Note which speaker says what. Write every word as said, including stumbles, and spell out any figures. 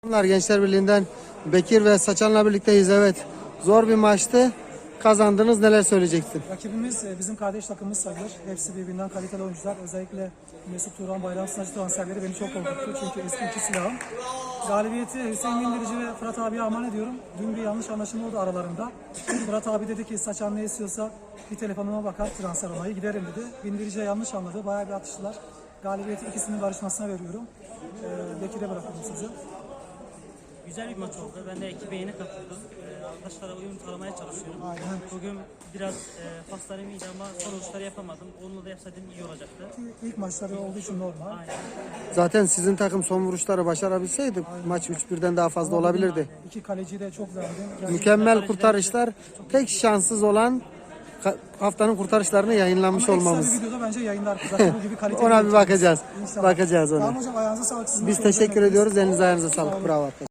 Speaker 1: Bunlar Gençler Birliği'nden Bekir ve Saçan'la birlikteyiz. Evet. Zor bir maçtı. Kazandınız. Neler söyleyeceksin?
Speaker 2: Rakibimiz e, bizim kardeş takımımız sayılır. Hepsi birbirinden kaliteli oyuncular. Özellikle Mesut Turan, Bayram Sınacı transferleri beni çok korkuttu. Çünkü eski iki silahım. Galibiyeti Hüseyin Bindirici ve Fırat abiye armağan ediyorum. Dün bir yanlış anlaşılma oldu aralarında. Fırat abi dedi ki Saçan ne istiyorsa bir telefonuma bakar, transfer onayı giderim dedi. Bindirici'ye yanlış anladı. Bayağı bir atıştılar. Galibiyeti ikisinin barışmasına veriyorum. Ee, Bekir'e bırakıyorum sizi.
Speaker 3: Güzel bir maç oldu. Ben de ekibe yeni katıldım. Ee, arkadaşlara uyum sağlamaya çalışıyorum.
Speaker 2: Aynen.
Speaker 3: Bugün biraz e, paslarım iyiydi ama son uçları yapamadım. Onunla da yapsaydım iyi olacaktı.
Speaker 2: İlk maçları olduğu için normal.
Speaker 3: Aynen.
Speaker 1: Zaten sizin takım son vuruşları başarabilseydi maç üç birden daha fazla olabilirdi.
Speaker 2: İki kaleciyi de çok beğendim. Gerçekten
Speaker 1: Mükemmel kurtarışlar. Tek şanssız olan ka- haftanın kurtarışlarını yayınlanmış
Speaker 2: Ama ekstra
Speaker 1: olmamız.
Speaker 2: bir videoda bence yayınlar zaten bu gibi kaliteli.
Speaker 1: Ona bir bakacağız.
Speaker 2: İnşallah.
Speaker 1: Bakacağız ona.
Speaker 2: Tamam hocam, ayağınıza sağlık. Sizin
Speaker 1: Biz
Speaker 2: de
Speaker 1: teşekkür
Speaker 2: çok
Speaker 1: ediyoruz. Elinize ayağınıza sağlık. Bravo.